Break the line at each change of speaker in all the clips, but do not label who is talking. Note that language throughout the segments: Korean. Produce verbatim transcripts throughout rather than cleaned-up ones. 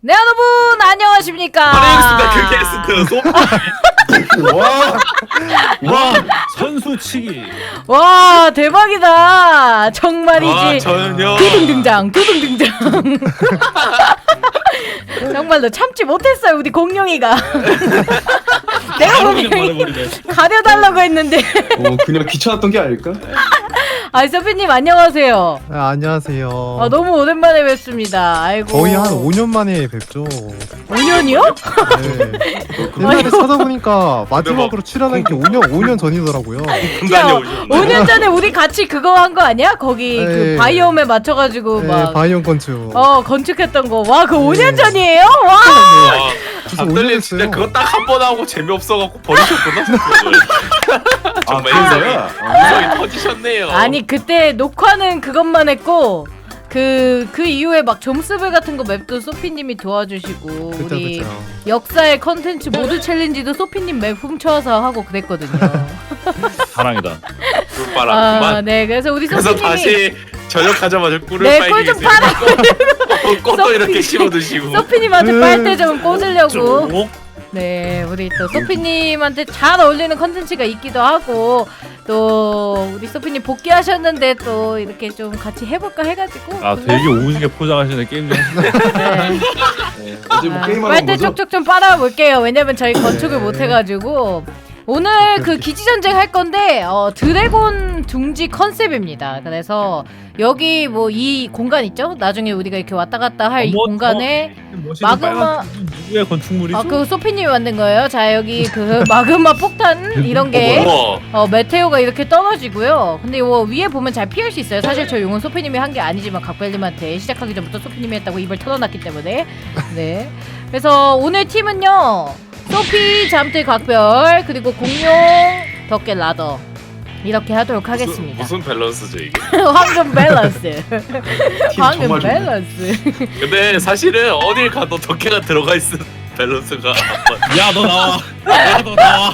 네 여러분 안녕하십니까.
안녕하십니까. 그 게스트 소피.
와, 와 선수치기.
와 대박이다. 정말이지.
와 저는요.
두둥 등장 두둥 등장. 정말로 참지 못했어요 우리 공룡이가. 내가 분명히 가려달라고 했는데.
어, 그냥 귀찮았던 게 아닐까?
아 서피님 안녕하세요.
아, 안녕하세요.
아 너무 오랜만에 뵙습니다. 아이고.
거의 한 오 년 만에 뵙죠.
오 년이요?
네. 옛날에 찾아보니까 마지막으로 출연한 게 오 년 오 년 전이더라고요.
분간이
오 년 전에 우리 같이 그거 한 거 아니야? 거기 그
네.
바이옴에 맞춰가지고
네,
막
바이온 건축.
어 건축했던 거. 와 그 오 년
네.
전이에요? 와.
와.
벌써 오 년
박들님
됐어요.
진짜 그거 딱 한 번 하고 재미없어갖고 버리셨구나. 정말
아,
인성이
그래요?
인성이 터지셨네요.
아니 그때 녹화는 그것만 했고 그 그 이후에 막 점수별 같은 거 맵도 소피님이 도와주시고
그쵸,
우리
그쵸.
역사의 컨텐츠 모두 챌린지도 소피님 맵 훔쳐와서 하고 그랬거든요.
사랑이다.
꿀바람
아,
그만.
네 그래서 우리
그래서
소피님이
다시 저녁하자마자 꿀을
네,
빨기
꿀좀
위해서
빨아.
꽃- 꽃도
소피-
이렇게 심어 드시고.
소피님한테 빨대 좀 꽂으려고.
쭉.
네, 우리 또 소피님한테 잘 어울리는 컨텐츠가 있기도 하고 또 우리 소피님 복귀하셨는데 또 이렇게 좀 같이 해볼까 해가지고.
아 되게 오지게 포장하시네 게임 중.
네.
네, 어제 뭐
아,
게임하는
빨대
거죠?
쪽쪽 좀 빨아볼게요. 왜냐면 저희 건축을 못 해가지고 오늘 그 기지전쟁 할 건데 어, 드래곤 둥지 컨셉입니다. 그래서 여기 뭐 이 공간 있죠? 나중에 우리가 이렇게 왔다 갔다 할 이
어머,
공간에
멋있는
마그마-
빨간 누구의 건축물이죠?
아, 그 소피님이 만든 거예요. 자, 여기 그 마그마 폭탄 이런 게
어머.
어, 메테오가 이렇게 떨어지고요. 근데 이거 위에 보면 잘 피할 수 있어요. 사실 저 용은 소피님이 한 게 아니지만 각별님한테 시작하기 전부터 소피님이 했다고 입을 털어놨기 때문에. 네. 그래서 오늘 팀은요. 소피, 잠들, 각별, 그리고 공룡, 덕계, 라더 이렇게 하도록 하겠습니다.
무슨, 무슨 밸런스죠 이게?
황금 밸런스. 황금
정말 좋네.
밸런스.
근데 사실은 어딜 가도 덕혜가 들어가 있는 밸런스가
야 너 나와. 야 너 나와.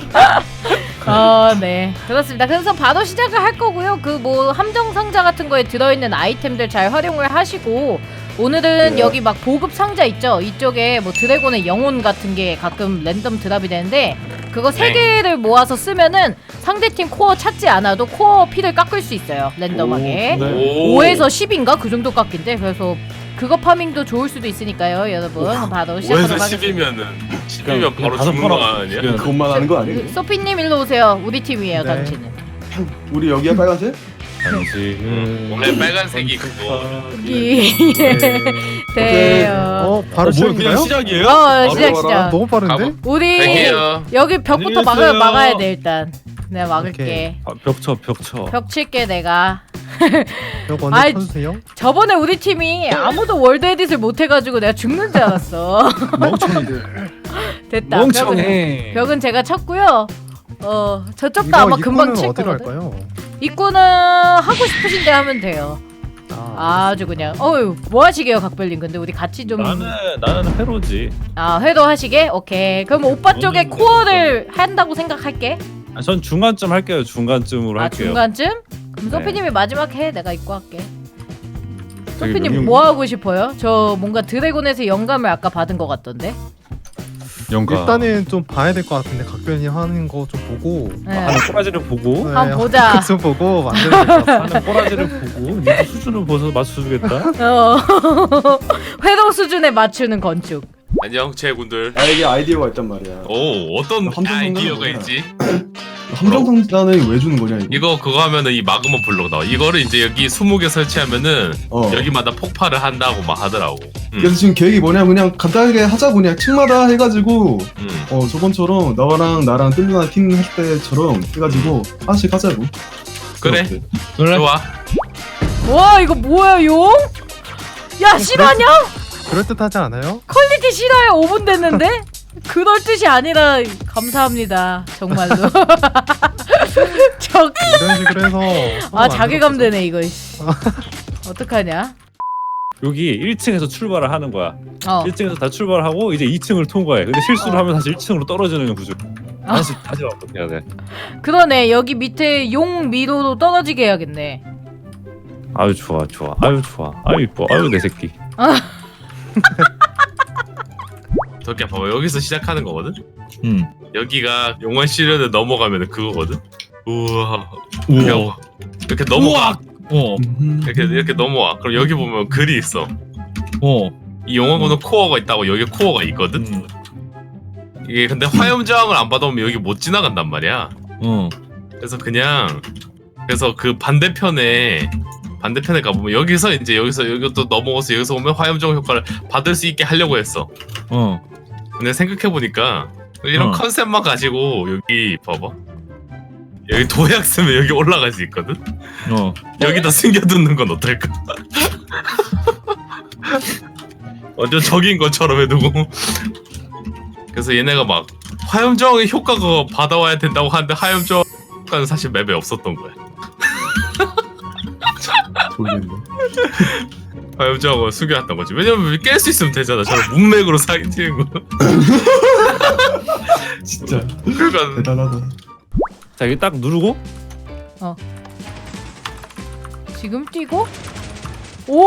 어, 네. 그렇습니다. 그래서 바로 시작을 할 거고요. 그 뭐 함정 상자 같은 거에 들어있는 아이템들 잘 활용을 하시고 오늘은
네.
여기 막 보급 상자 있죠? 이쪽에 뭐 드래곤의 영혼 같은 게 가끔 랜덤 드랍이 되는데 그거 세
네.
개를 모아서 쓰면은 상대팀 코어 찾지 않아도 코어 피를 깎을 수 있어요. 랜덤하게.
오, 네.
오.
오에서 십인가? 그 정도 깎인데 그래서 그거 파밍도 좋을 수도 있으니까요, 여러분. 바로 시작하도록
오에서
하겠습니다.
십이면은 십이면
그냥
바로
다섯
죽는 거
번
아니야?
지금.
그것만 하는 거 아니에요?
소피님 일로 오세요. 우리 팀이에요,
네.
당신은.
우리 여기야 빨간색?
당신은
원래 빨간색이 그거.
여기
네.
돼요.
어, 바로
어, 뭐 그냥
시작인가요?
시작이에요?
어, 시작
바로
시작.
너무 빠른데?
가보-
우리
갈게요.
여기 벽부터
안녕히
막아
계세요.
막아야 돼 일단. 내가 막을게.
오케이.
아, 벽쳐 벽쳐.
벽 칠게 내가.
벽 먼저
아이,
쳐주세요.
저번에 우리 팀이 아무도 월드 에딧을 못 해가지고 내가 죽는 줄 알았어.
멍청이들.
됐다. 벽은,
멍청해.
벽은 제가 쳤고요. 어 저쪽도
이거
아마 금방
입구는
칠
어디로
거거든.
할까요?
입구는 하고 싶으신데 하면 돼요.
아,
아주 그냥. 어유 뭐 하시게요, 각별님? 근데 우리 같이 좀.
나는 나는 회로지.
아 회도 하시게? 오케이. 그럼 오빠 쪽에
저는
코어를 한다고 생각할게.
아, 전 중간쯤 할게요. 중간쯤으로
아
할게요.
중간쯤? 그럼
네.
소피님이 마지막 해. 내가 입고 할게.
저기
소피님
명령-
뭐 하고 싶어요? 저 뭔가 드래곤에서 영감을 아까 받은 것 같던데.
영가.
일단은 좀 봐야 될 것 같은데 각별님 하는 거 좀 보고
네.
하는 꼬라지를 보고
네,
한번 보자.
좀 보고 만들어야 될 것 같아요.
하는 꼬라지를 보고 니도 수준을 보서 맞춰주겠다.
어 회도 수준에 맞추는 건축.
안녕 제군들.
나에게 아이디어가 있단 말이야.
오 어떤
함정
아이디어가
상자는
있지?
함정상자는 왜 주는 거냐 이거?
이거 그거 하면은 이 마그마 블록 나와. 이거를 이제 여기 스무 개 설치하면은
어.
여기마다 폭발을 한다고 막 하더라고. 음.
그래서 지금 계획이 뭐냐 그냥 간단하게 하자 그냥 층마다 해가지고
음.
어 저번처럼 너랑 나랑 뜰루나 팀 할 때처럼 해가지고 하나씩 하자고.
그래.
어때?
그래?
좋아.
와 이거 뭐야 용? 야 실화냐?
그럴듯하지 않아요?
퀄리티 실화야 오 분 됐는데? 그럴 뜻이 아니라 감사합니다 정말로. 저...
이런 식으로 해서
아 자괴감 되네 이거. 어떡하냐?
여기 일 층에서 출발을 하는 거야.
어.
일 층에서 다 출발을 하고 이제 이 층을 통과해. 근데 실수를
어.
하면 다시 일 층으로 떨어지는 구조.
아.
다시 다시 반복해야 돼.
그러네 여기 밑에 용 미로도 떨어지게 해야겠네.
아유 좋아 좋아. 아유 좋아. 아유 이뻐. 아유 내 새끼.
덕기야 봐봐 여기서 시작하는 거거든.
음.
여기가 용원 시련을 넘어가면 그거거든. 우와.
우와.
우와. 이렇게 넘어가.
어.
이렇게 이렇게 넘어와. 그럼 여기 보면 글이 있어.
어.
이 용원군은 코어가 있다고 여기 코어가 있거든.
음.
이게 근데 화염 저항을 안 받아오면 여기 못 지나간단 말이야.
어.
그래서 그냥 그래서 그 반대편에 반대편에 가보면 여기서 이제 여기서 여기 또 넘어가서 여기서 오면 화염 저항 효과를 받을 수 있게 하려고 했어.
어.
근데 생각해 보니까 이런
어.
컨셉만 가지고 여기 봐봐. 여기 도약 쓰면 여기 올라갈 수 있거든.
어.
여기다 숨겨두는 건 어떨까? 완전 적인 것처럼 해두고. 그래서 얘네가 막 화염 저항의 효과가 받아와야 된다고 하는데 화염 저항 효과는 사실 맵에 없었던 거야.
모르겠네.
화염 저항을 숨겨놨던 거지. 왜냐면 깰 수 있으면 되잖아. 저런 문맥으로 사기치는 거.
진짜
그러니까
대단하다.
자 여기 딱 누르고
지금 뛰고. 오!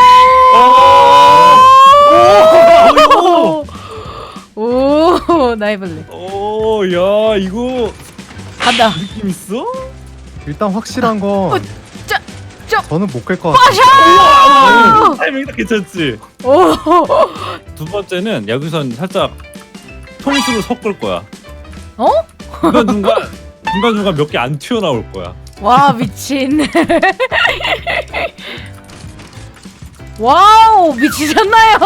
오! 오! 나 해볼래.
오야 이거
간다.
느낌 있어?
일단 확실한 건
짜, 짜.
저는 못 깰 것 같아요.
빠샤!
타이밍 딱 괜찮지?
오!
두 번째는 여기선 살짝 통수를 섞을 거야.
어?
중간 중간 중간 중간 몇 개 안 튀어나올 거야.
와, 미친. 와우, 미치셨나요?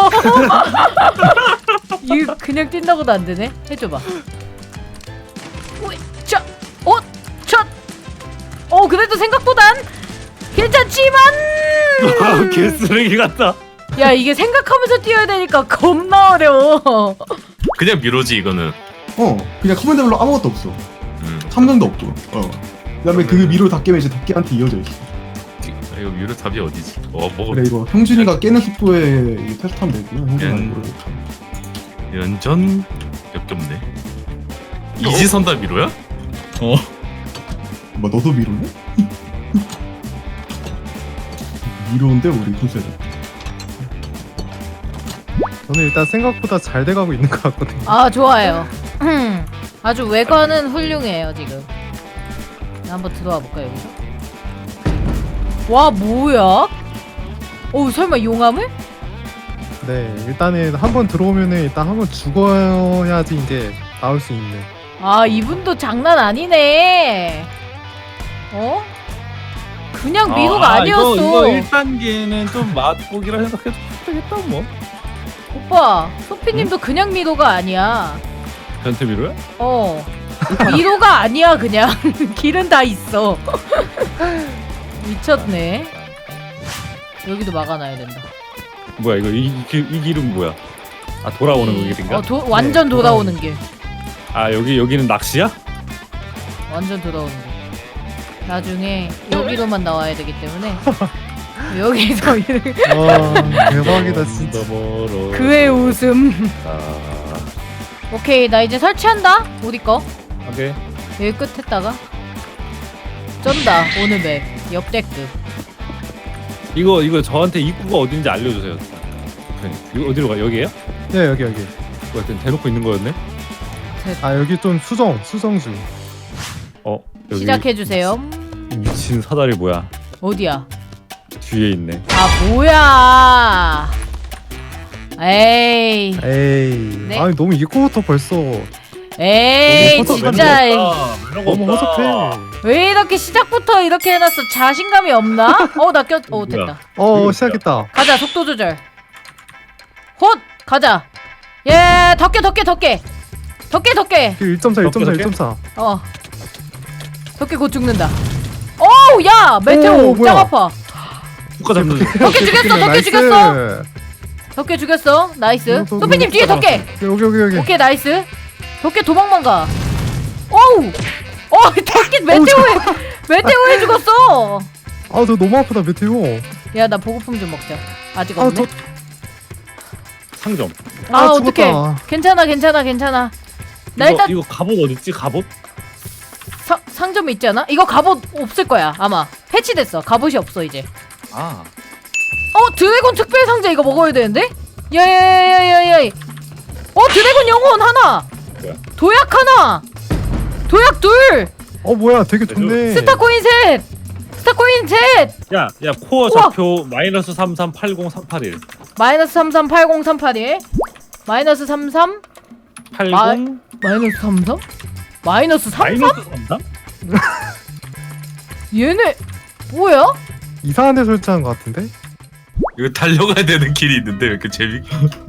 이거 그냥 뛴다고도 안 되네. 해줘봐. 오이, 자, 어, 첫. 어, 그래도 생각보단 괜찮지만.
아, 개쓰레기 같다.
야, 이게 생각하면서 뛰어야 되니까 겁나 어려워.
그냥 미로지 이거는.
어 그냥 커맨드별로 아무것도 없어.
음.
함정도 없고. 어. 그다음에 그 미로 다 깨면 이제 덕기한테 이어져 있어.
아, 이거 미로 답이 어디지? 어 뭐가
그래 이거 형준이가 깨는 속도에 이거 테스트하면 되고요. 형준이
음.
모르고.
연전 역겹네. 이지선다 미로야?
어.
뭐 너도 미로네? 미로인데 우리 컨셉.
저는 일단 생각보다 잘 돼가고 있는 것 같거든요.
아, 좋아요. 아주 외관은 훌륭해요 지금. 한번 들어와 볼까 여기서? 와, 뭐야? 어, 설마 용암을?
네, 일단은 한번 들어오면은 일단 한번 죽어야지 이제 나올 수 있는.
아, 이분도 장난 아니네. 어? 그냥 미로가
아,
아니었어.
이거, 이거 일 단계는 좀 맛보기라 생각해도 되겠다 뭐.
오빠, 소피님도 그냥 미로가 아니야.
변태 미로야?
어. 미로가 아니야 그냥. 길은 다 있어. 미쳤네. 여기도 막아놔야 된다.
뭐야 이거 이, 이, 길- 이 길은 뭐야? 아 돌아오는 그 길인가?
어, 도, 완전
네,
돌아오는 길.
아 여기 여기는 낚시야?
완전 돌아오는 길. 나중에 여기로만 나와야 되기 때문에 여기서 이렇게
와, 대박이다 진짜.
너머로.
그의 웃음.
아,
오케이, 나 이제 설치한다. 우리 거
오케이.
여기 끝에다가 쩐다. 오늘 맵 역대급.
이거 이거 저한테 입구가 어딘지 알려주세요. 오케이. 이거 어디로 가? 여기에요?
네, 여기 여기.
뭐야, 대놓고 있는 거였네?
아, 여기 좀 수정, 수정 중.
어 여기
시작해 주세요.
미친 사다리 뭐야?
어디야?
뒤에 있네.
아, 뭐야? 에이,
에이,
네.
아니 너무 입구부터 벌써
에이,
너무
진짜
너무 허접해.
왜 이렇게 시작부터 이렇게 해놨어? 자신감이 없나? 어, 나 꼈. 어, 됐다.
어, 시작했다.
가자, 속도 조절. 헛, 가자. 예, 덕게, 덕게, 덕게, 덕게, 덕게.
일 점 사, 일 점 사,
덕게,
일 점 사.
어, 덕게 곧 죽는다. 어우, 야, 메테오
오, 뭐야.
짱 아파.
국가 잡는.
덕게 죽였어, 덕게
나이스.
죽였어. 덕게 죽였어. 나이스.
어, 더,
소피님
더,
뒤에
더.
덕게.
여기 여기 여기.
오케이, 나이스. 덕게 도망만 가. 어우, 어, 덕게 메테오에 메테오에 죽었어.
아, 저 너무 아프다 메테오.
야, 나 보급품 좀 먹자. 아직
아,
없네.
저,
상점.
아,
아,
어떡해.
죽었다.
괜찮아, 괜찮아, 괜찮아. 나
이거,
일단
이거 갑옷 어디 있지? 갑옷?
사, 상점에 있지 않아? 이거 갑옷 없을 거야 아마. 패치됐어. 갑옷이 없어 이제.
아.
어, 드래곤 특별 상자 이거 먹어야 되는데? 야야야야야야. 어, 드래곤 영혼 하나.
뭐야?
도약 하나. 도약 둘.
어 뭐야 되게 좋네.
스타코인 셋. 스타코인 셋.
야, 야 코어
우와.
좌표 마이너스 삼삼팔공삼팔일
마이너스 삼삼팔공삼팔일. 마이너스 삼삼.
팔공
마이너스 삼삼? 마이너스 삼삼?
마이너스 삼삼?
얘네 뭐야?
이상한 데 설치한 것 같은데?
이거 달려가야 되는 길이 있는데 왜 이렇게 재밌?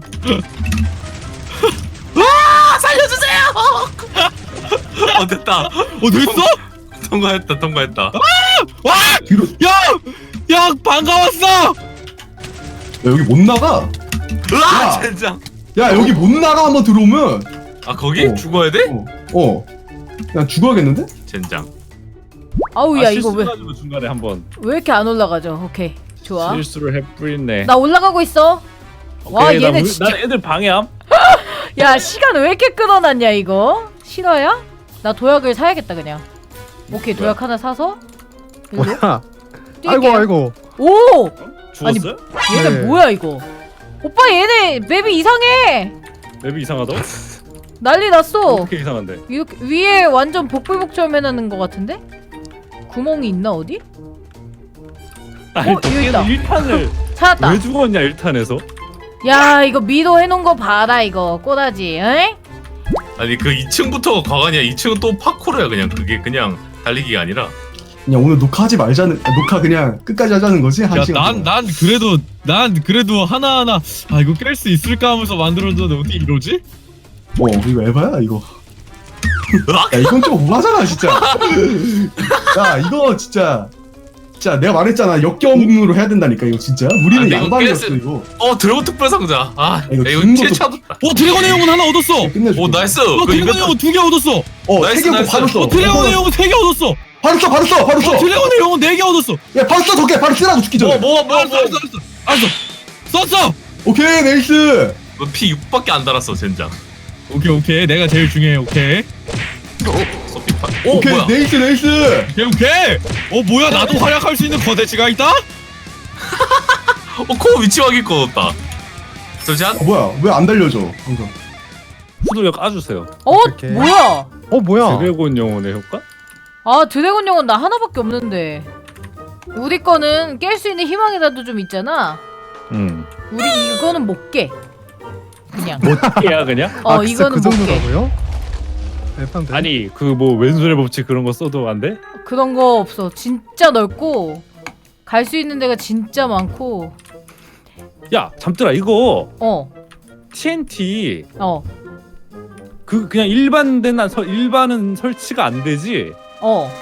와 살려주세요! 어 됐다.
어 됐어?
통과했다 통과했다.
와!
뒤로.
야! 야 반가웠어!
야, 여기 못 나가.
으아
야.
젠장.
야, 여기 못 나가 한번 들어오면.
아 거기
어.
죽어야 돼?
어. 어. 그냥 죽어야겠는데?
젠장.
아우 야 이거 왜 왜
실수해가지고 중간에 한번
이렇게 안 올라가죠? 오케이 좋아.
실수를 해뿌리네.
나 올라가고 있어. 와
오케이, 나
얘네
우리-
진짜.
난 애들 방해함.
야 시간 왜 이렇게 끊어놨냐 이거? 실화야? 나 도약을 사야겠다 그냥. 오케이 도약 하나 사서. 일로
뭐야?
뛸게요.
아이고 아이고.
오
죽었어요?
얘네
네.
뭐야 이거? 오빠 얘네 맵이 이상해.
맵이 이상하다.
난리 났어.
어떻게 이상한데?
이렇게 위에 완전 복불복처럼 해놓는 것 같은데? 구멍이 있나 어디?
아니
어, 여기 있다.
일 탄을
찾았다.
왜 죽었냐 일 탄에서?
야 이거 미도 해놓은 거 봐라 이거 꼬다지. 응?
아니 그 이 층부터 과관이야. 이 층은 또 파쿠르야 그냥. 그게 그냥 달리기가 아니라.
그냥 오늘 녹화하지 말자는, 아, 녹화 그냥 끝까지 하자는 거지? 한 시간.
야난
동안.
난 그래도 난 그래도 하나하나 아 이거 깰 수 있을까 하면서 만들었는데 어떻게 이러지?
어, 이거 에바야, 이거. 야, 이건 좀 오바잖아, 진짜. 야, 이거 진짜. 진짜 내가 말했잖아. 역경으로 해야 된다니까, 이거 진짜.
아,
우리는
근데 이거
양반이었어,
깼을-
이거.
어 드래곤 특별 상자. 아
이거
야, 이거
죽는
피해
것도-
차뒀다.
어 드래곤의 영혼 하나 얻었어.
끝내줄게.
오 나이스.
어
그
드래곤의
이벤트
영혼 두 개 얻었어.
어,
나이스,
세 개고
나이스.
바로 써.
어 드래곤의 영혼 세 개 얻었어.
바로 써, 바로 써, 바로
어
써.
드래곤의 영혼 네 개 얻었어.
야, 바로 써, 덕게 바로 쓰라고 죽기 전에.
뭐뭐뭐
알았어
뭐.
알았어 알았어. 알았어. 썼어.
오케이, 네이스.
피 육밖에 안 달았어 젠장.
오케이 오케이 내가 제일 중요해. 오케이.
소피 파. 오
오케이,
뭐야?
네이스, 네이스.
오케이 오케이. 어 뭐야 나도 활약할 수 있는 거대치가 있다?
어 코어 위치 확인 꺼졌다. 잠시만.
어, 뭐야, 왜 안 달려져, 방금.
후드력 까주세요.
어?
이렇게.
뭐야?
어 뭐야?
드래곤 영혼의 효과?
아 드래곤 영혼 나 하나밖에 없는데. 우리 거는 깰 수 있는 희망이라도 좀 있잖아.
응.
우리 이거는 못 깨. 그냥.
깨야 그냥?
어
아, 진짜
이거는
그
못 깨.
정도라고요? 에반데.
아니 그 뭐 왼손의 법칙 그런 거 써도 안 돼?
그런 거 없어. 진짜 넓고 갈 수 있는 데가 진짜 많고.
야 잠들아 이거
어.
티엔티
어.
그 그냥 일반된 한 설 일반은 설치가 안 되지?
어.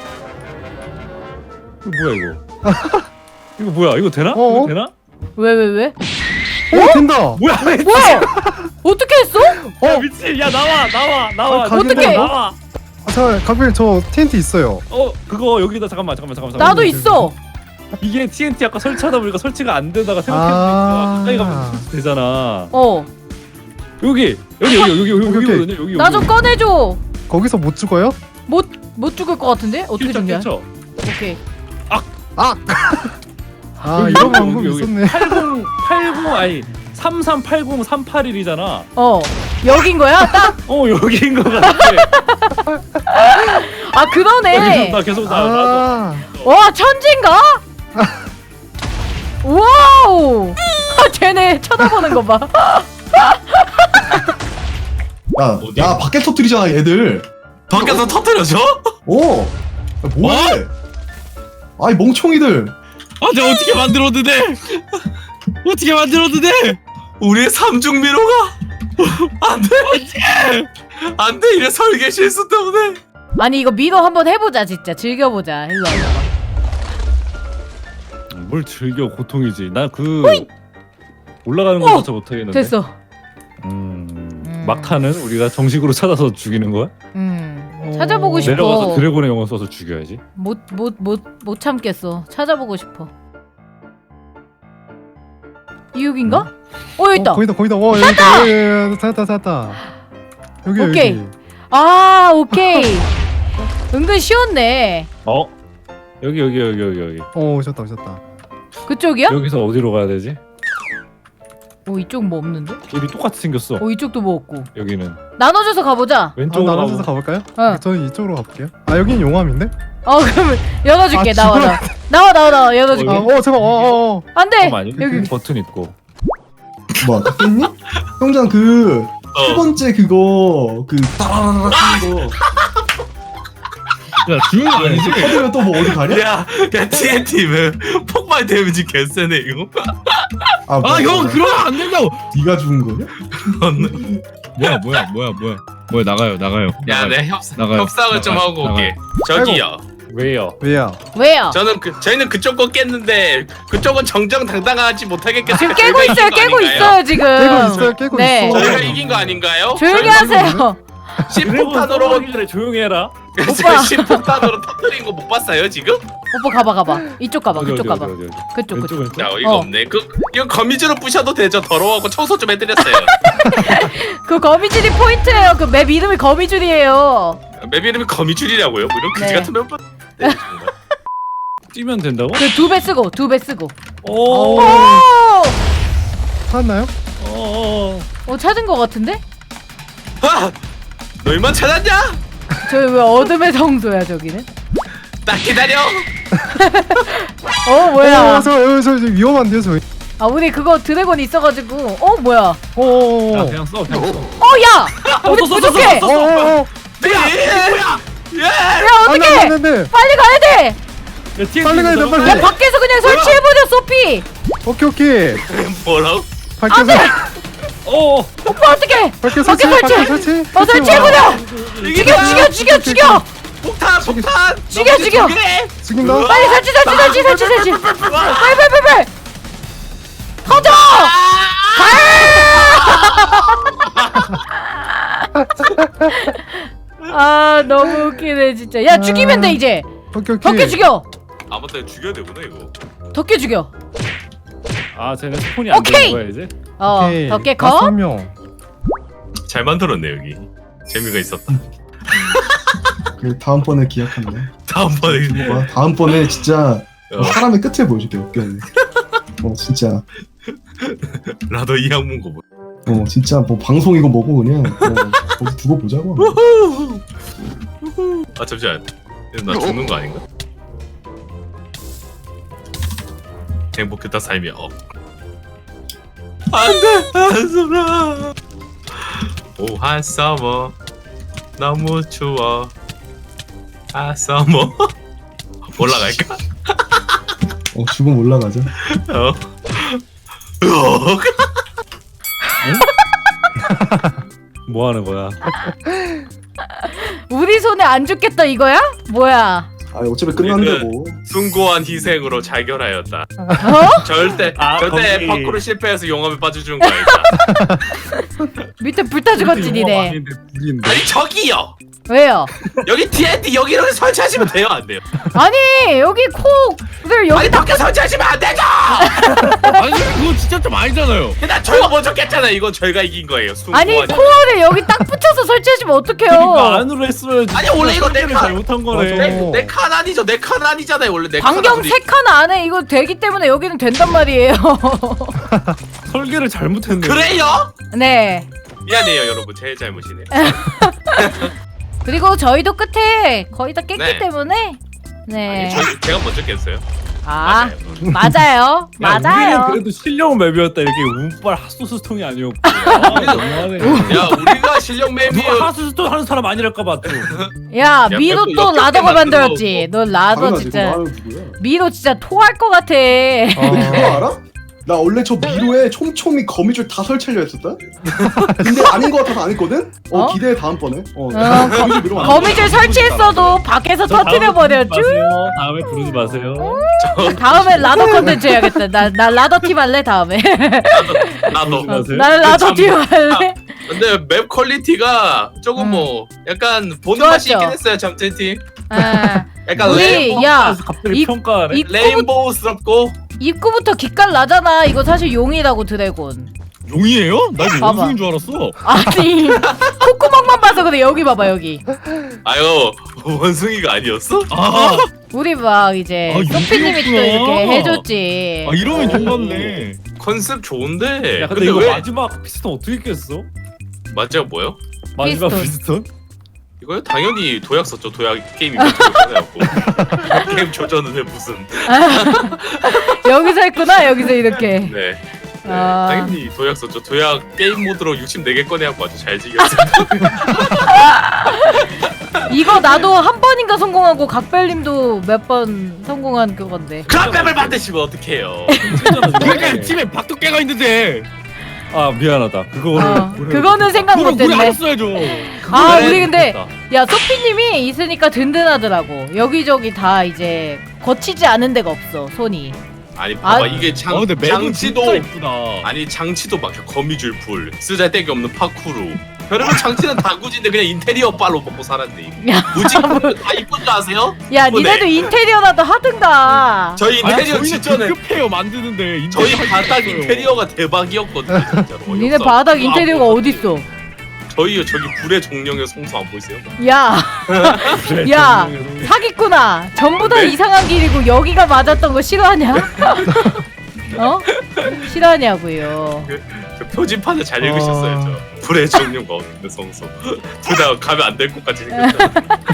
이거 뭐야 이거? 이거 뭐야 이거 되나?
어?
이거 되나?
왜 왜 왜?
어 된다.
뭐야 미친!
뭐야? 어떻게 했어?
야 미친! 야 나와 나와 나와!
아, 가격이
어떡해?
나와!
아, 자 가필 저 티엔티 있어요.
어 그거 여기다 잠깐만 잠깐만 잠깐만
나도
잠깐만.
있어.
이게 티엔티 아까 설치하다 보니까 설치가 안 되다가
아.
생각해보니까 가까이 가면 설치 되잖아.
어.
여기 여기 여기 여기 여기
오케이, 오케이.
여기거든요 여기.
나 좀 꺼내줘.
거기서 못 죽어요?
못 못 죽을 것 같은데? 어떻게
일단
죽냐?
쳐.
오케이.
아
여기,
이런
여기,
방법
여기, 여기.
있었네.
팔십 팔십 아니 삼삼팔공 삼팔일이잖아.
어. 여긴 거야? 딱.
어 여기인 것 같아.
아
나 계속
그러네.
나 계속 나. 나.
아
와 천진가? 와우. 아 쟤네 쳐다보는 거 봐.
야,
어디?
야, 밖에 터뜨리잖아, 얘들.
밖에서 터뜨려줘?
오! 야, 뭐해? 아이, 멍청이들.
아 내가 어떻게 만들었는데? 어떻게 만들었는데?
우리의 삼중 미로가 안돼 안돼 이래 설계 실수 때문에.
아니 이거 미도 한번 해보자 진짜 즐겨보자. 일로 와봐.
뭘 즐겨 고통이지. 나 그 올라가는
어!
것조차 못하겠는데.
됐어.
음,
음.
막타는 우리가 정식으로 찾아서 죽이는 거야?
음. 찾아보고 싶어.
내려가서 드래곤의 영혼 써서 죽여야지.
못 못 못 못 참겠어. 찾아보고 싶어. 이육인가? 어 여기 있다.
어, 거기다 거기다. 와 여기 있다. 여기, 여기, 여기, 찾았다 찾았다. 여기
오케이.
여기.
아 오케이. 은근 쉬웠네.
어? 여기 여기 여기 여기 여기.
어 오셨다 오셨다.
그쪽이야?
여기서 어디로 가야 되지?
어 이쪽 뭐 없는데?
길이 똑같이 생겼어.
어 이쪽도 뭐 없고.
여기는
나눠줘서 가보자.
아,
왼쪽으로
나눠서
가고.
가볼까요?
어.
저는 이쪽으로 가볼게요. 아 여긴 용암인데?
어 그러면 열어줄게.
아,
나와
지금-
나와 나와 나와 나와 열어줄게.
아, 어 잠깐, 어, 어, 어.
안돼.
잠깐만요.
여기.
버튼 있고.
뭐 깼니? 형장 그 세
어.
번째 그거 그 따라라라 하는 거
야 죽은 거 아니지?
터지면 또 뭐 어디 가냐?
야, 야 티엔티 왜 폭발 데미지 개쎄네 이거.
아,
아 형 그러면 안 된다고.
네가 죽은 거냐?
뭐야 뭐야 뭐야 뭐야 뭐야 나가요 나가요.
야,
나가요.
내 협상
나가요.
협상을 좀
나가요.
하고
나가요.
올게. 저기요.
왜요?
왜야?
왜요?
저는 그 저희는 그쪽 거 깼는데 그쪽은 정정당당하지 못하겠겠어요.
지금 깨고 있어요. 깨고 있어요 지금.
깨고 있어요, 깨고
네.
있어.
저희가 이긴 거 아닌가요?
조용히 하세요.
십폭탄으로
하기 전에 조용히 해라.
오빠.
십폭탄으로 터뜨린 거 못 봤어요 지금?
오빠 가봐 가봐. 이쪽 가봐.
어디,
그쪽
어디,
가봐.
어디, 어디, 어디.
그쪽
왼쪽
그쪽.
왼쪽.
야 이거
어.
없네. 그 이거 거미줄로 부셔도 되죠. 더러워하고 청소 좀 해드렸어요.
그 거미줄이 포인트예요. 그 맵 이름이 거미줄이에요.
맵 이름이 거미줄이라고요? 뭐 이런 그지
네.
같은 맵. 네,
뛰면 된다고?
그 두 배 쓰고 두 배 쓰고.
오.
오!
찾았나요?
어.
어 찾은 거 같은데?
아! 너희만 찾았냐?
저기 왜 어둠의 성소야 저기는?
딱 기다려.
어
어,
뭐야?
저, 저, 저, 저 위험한데요, 저희.
아 우리 그거 드래곤 있어가지고 어 뭐야?
야
어,
그냥 써 그냥 써.
어 야! 우리 부족해!
어, 어, 어.
네. 뭐야? 예.
야
안 돼,
어떡해!
안 돼, 안 돼.
빨리 가야 돼!
야, T N T
빨리 가야 돼,
너무
빨리.
야 밖에서 그냥 설치해버려 소피!
오케이, 오케이.
뭐라고?
밖에서,
어.
오빠 어떡해!
밖에
밖에
설치,
설치!
밖에 설치.
어 설치해버려! 죽여 죽여 죽여 죽여!
폭탄 폭탄.
죽여, 죽여.
죽인다.
빨리 설치 설치 설치 설치 설치! 빨리 빨리 빨리 빨리! 터져! 아 너무 웃기네 진짜. 야 죽이면 돼 이제.
오케이, 오케이.
덕계 죽여.
아무튼 죽여야 되구나 이거.
덕계 죽여.
아 쟤네 스폰이 안
오케이.
되는 거야 이제?
어
오케이.
덕계
다섯
거.
명.
잘 만들었네 여기. 재미가 있었다.
그 다음번에 기약한다.
다음번에
뭐야? 다음번에 진짜
어,
사람의 끝을 보여줄게. 웃겨네. 어 진짜.
나도 이 학문 거 보.
어 진짜 뭐 방송이고 뭐고 그냥 어, 거기 두고 보자고.
아 잠시만. 나 죽는 거 아닌가? 행복했다 삶이 어. 안돼 한숨아. 오 한서머 너무 추워. 한서머 올라갈까?
어 죽음 올라가자.
어. 으억.
뭐 하는 거야?
우리 손에 안 죽겠다 이거야? 뭐야?
아 어차피 끝난데 뭐.
숭고한 희생으로 자결하였다.
어?
절대
아,
절대
거기.
파쿠르 실패해서 용암에 빠져준 거 아니다.
밑에 불타 죽었지 니네.
아닌데 불인데.
아니 저기요.
왜요?
여기 티엔티 여기 이렇게 설치하시면 돼요 안 돼요?
아니 여기 코를 여기
아니 밖에 설치하시면 안 되죠.
아니 그거 진짜 좀 아니잖아요.
나 저희가 먼저 깼잖아요. 이건 저희가 이긴 거예요.
아니
숭고한
코어를 여기 딱 붙여서 설치하시면 어떡해요?
그러니까 안으로 했어야지.
아니, 원래 이거 내
설계를
칸.
잘못한 거네.
맞아.
내, 내 칸 아니죠. 내 칸 아니잖아요. 원래 내
반경
칸.
세 칸 안에 이거 되기 때문에 여기는 된단 말이에요.
설계를 잘못했네.
그래요?
네.
미안해요 여러분. 제 잘못이네요.
그리고 저희도 끝에 거의 다 깼기
네.
때문에 네.
아니, 저, 제가 먼저 깼어요.
아
맞아요.
맞아요.
야,
맞아요.
우리는 그래도 실력 맵이었다. 이렇게 운빨 핫소스통이 아니었고. 아, 너무하네.
야 우리가 실력 맵이
누가 핫소스통 하는 사람 아니랄까 봐 또.
야
야,
미로
맵도
또
역겹게
라더가
만들어
만들었지. 너 라더
당연하지.
진짜
그거 누구야?
미로 진짜 토할 것 같아.
근데 그거 알아? 나 원래 저 미로에 촘촘히 거미줄 다 설치려 했었다. 근데 아닌 거 같아서 안 했거든. 어,
어?
기대해 다음번에. 어,
어,
거미줄 미로 만들어.
거미줄 설치했어도 밖에서 터뜨려 버려 쭉.
다음에 부르지 마세요.
다음에 라더 컨텐츠 해야겠다. 나, 나 라더 팀 할래 다음에.
나도.
맞아요?
나 라더
참-
팀 할래.
근데 맵 퀄리티가 조금
음.
뭐 약간 보는 맛이
좋았죠.
있긴 했어요. 잠재팀.
아,
약간
우리
레인,
야
갑자기
이-
평가하네.
이-
레인보우스럽고.
입구부터 기깔 나잖아. 이거 사실 용이라고 드래곤.
용이에요? 나 이거
봐봐.
원숭인 줄 알았어.
아니 콧구멍만 봐서 그래. 여기 봐봐 여기.
아유 원숭이가 아니었어?
아,
우리 막 이제
아,
소피님이 또
용이었구나.
이렇게 해줬지.
아 이러면 좀 같네.
컨셉 좋은데.
야 근데, 이거
왜
마지막 피스톤 어떻게 깼어?
맞죠 뭐요?
마지막
피스톤.
피스톤?
이거요? 당연히 도약 썼죠. 도약 게임이 조전해갖고 게임 조전은 왜 무슨?
여기서 했구나 여기서 이렇게.
네. 네.
아.
당연히 도약 썼죠. 도약 게임 모드로 육십사 개 꺼내갖고 아주 잘 지겼어요.
이거 나도 한 번인가 성공하고 각별님도 몇 번 성공한 그건데.
그런 만드시면 어떡해요?
그러니까 팀에 박두깨가 있는데
아 미안하다. 그거를
어, 그거는 생각
그걸 우리
못했네.
알았어야죠.
아
그래,
우리 근데
됐다.
야 소피님이 있으니까 든든하더라고. 여기저기 다 이제 거치지 않은 데가 없어 손이.
아니 봐봐
아,
이게 장,
아 근데 매번 진짜
장치도
이쁘다.
아니 장치도 막혀. 거미줄 풀 쓰잘데기 없는 파쿠르. 별의별 장치는 다 굳인데 그냥 인테리어 빨로 먹고 살았네.
야,
무지 다 이쁜 줄 아세요?
야
이쁘네.
니네도 인테리어라도 하든가.
저희
아니,
인테리어
저희는
직전에
급해요 만드는데
저희
인테리어
바닥
있어요.
인테리어가 대박이었거든요. 진짜로.
니네
어이없어.
바닥
그거
인테리어가
안
어딨어?
저희요 저기 불의 종령의 성수 안 보이세요?
야,
그래,
야.
정령의
사기꾼아. 전부 다
네?
이상한 길이고 여기가 맞았던 거 싫어하냐? 어? 싫어하냐고요.
저 표지판을 잘 읽으셨어요.
아.
저 불의 종령과 어둠의 성수 둘 다 가면 안 될 것 같이 생겼죠.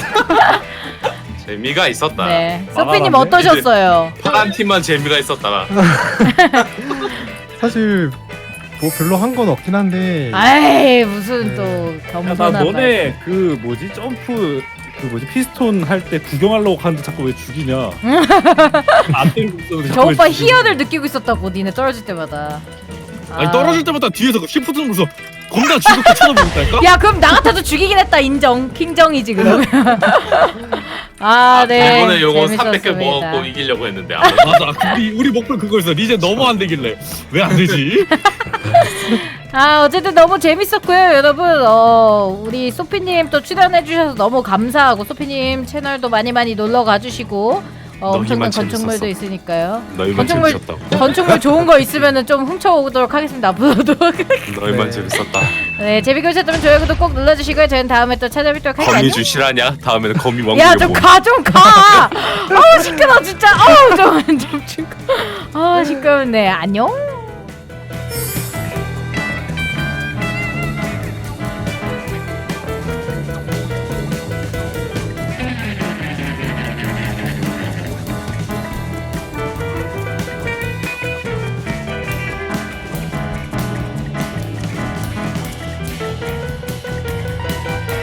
재미가 있었다.
네, 소피님
말하는데?
어떠셨어요?
파란 팀만 재미가 있었다.
사실 뭐 별로 한 건 없긴 한데
아이 무슨
네.
또
야, 나
겸손한 말.
너네 그 뭐지 점프 그 뭐지 피스톤 할 때 구경하려고 하는데 자꾸 왜 죽이냐? 안 때리고 있었는데
저
자꾸 왜
오빠
죽이냐?
희열을 느끼고 있었다고 니네 떨어질 때마다.
아니
아.
떨어질 때마다 뒤에서 그 시프트 누르면서 겁나 죽었고 쳐다보니까.
야 그럼 나 같아도 죽이긴 했다. 인정. 킹정이지 그러면. 아 네.
이번에 요거
재밌었습니다.
삼백 개 먹고 이기려고 했는데 안
맞아. 우리 우리 목표 그거였어. 리젠 너무 안 되길래 왜 안 되지?
아 어쨌든 너무 재밌었고요 여러분. 어 우리 소피님 또 출연해주셔서 너무 감사하고 소피님 채널도 많이 많이 놀러 가주시고 어, 엄청난
너희만
건축물도
재밌었어.
있으니까요.
너희만
건축물-
재밌었다고.
건축물 좋은 거 있으면은 좀 훔쳐오도록 하겠습니다. 앞으로도.
너희만
네.
재밌었다.
네 재밌게 보셨다면 좋아요 구독 꼭 눌러주시고요. 저희는 다음에 또 찾아뵙도록 할게요.
거미줄 실하냐? 다음에는 거미 왕국에
야 좀
뭐.
가 좀 가. 어우 시끄러 진짜. 어우 좀좀 좀. 아 시끄럽네. 안녕.